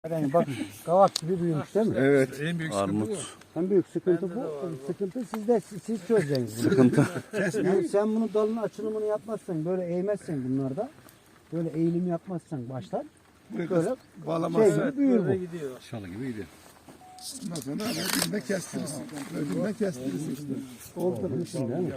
Yani bak kavak gibi büyümüş değil mi? Evet. En büyük Armut. En büyük sıkıntı bu. Sıkıntı sizde, siz çözeceksiniz. Sıkıntı. Yani sen bunu dalın açılımını yapmazsan, böyle eğmezsen bunlarda, böyle eğilim yapmazsan baştan, böyle Bağlamazsın. şey gibi büyür bu. gidiyor. Şalı gibi gidiyor. Ondan sonra öbürüne kestirirsin. Öbürüne kestirirsin işte. Oldu değil mi?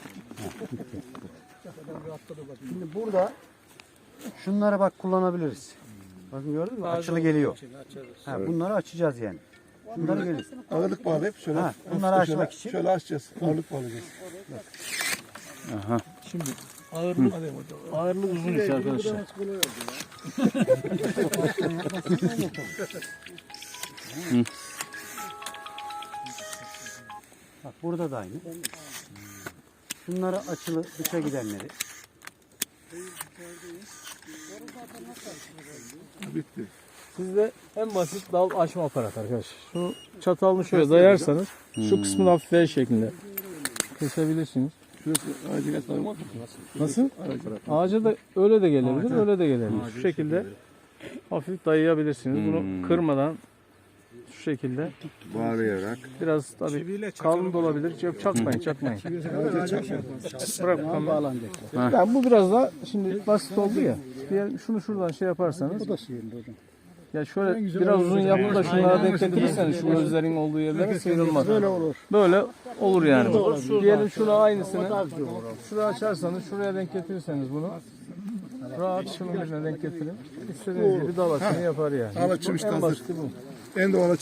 Şimdi burada şunları bak kullanabiliriz. Bakın gördün mü? Açılı geliyor. Ha, bunları açacağız yani. Bunları geliyor. Ağırlık bağlayıp şöyle. Ha, bunları hafifçe açmak için. Şöyle açacağız. Ağırlık bağlayacağız. Aha. Şimdi ağırlık uzun iş arkadaşlar. Bak burada da aynı. Şunları açılı dışa gidenleri. Bitti. Sizde en basit dal açma aparatı arkadaşlar. Şu çatalını şöyle dayarsanız şu kısmını hafif V şeklinde kesebilirsiniz. Şurası ağacı kaç tane var? Nasıl? Ağaca da öyle de gelebilir, öyle de gelebilir. Şu şekilde hafif dayayabilirsiniz. Bunu kırmadan şu şekilde Bağlayarak. biraz tabii kalın da olabilir. Yok çakmayın, çakmayın. Bırak bağlanacak. Yani bu biraz da şimdi basit oldu ya. Diğer şunu şuradan şey yaparsanız. Bu da hocam. Ya şöyle biraz uzun yapıp da şunlara denk getirirseniz şu gözlerin olduğu yerlere sıyrılmaz. Böyle olur. Böyle olur yani. Diyelim şuna aynısını. Şuraya açarsanız şuraya denk getirirseniz bunu. Rahat şunun birine denk getirin. İstediğiniz gibi dal açımı yapar yani. Dal açım işte En hazır. basiti bu. En doğal